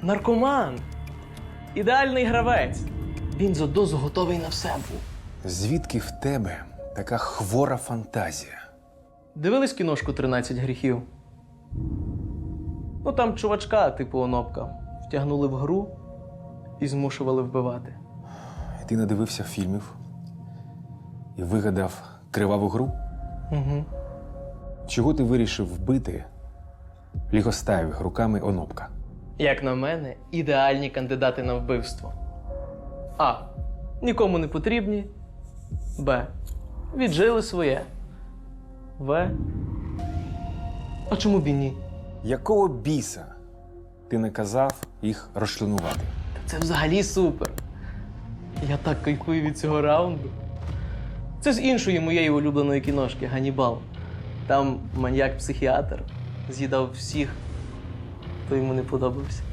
Наркоман. Ідеальний гравець. Він за дозу готовий на все був. Звідки в тебе така хвора фантазія? Дивились кіношку «13 гріхів»? Ну там чувачка, типу Онопка, втягнули в гру і змушували вбивати. І ти надивився фільмів і вигадав криваву гру? Угу. Чого ти вирішив вбити лігостаєвих руками Онопка? Як на мене, ідеальні кандидати на вбивство. А. Нікому не потрібні. Б. Віджили своє. В. А чому б і ні? Якого біса ти наказав їх розчленувати? Це взагалі супер. Я так кайфую від цього раунду. Це з іншої моєї улюбленої кіношки «Ганнібал». Там маньяк-психіатр з'їдав всіх, хто йому не подобався.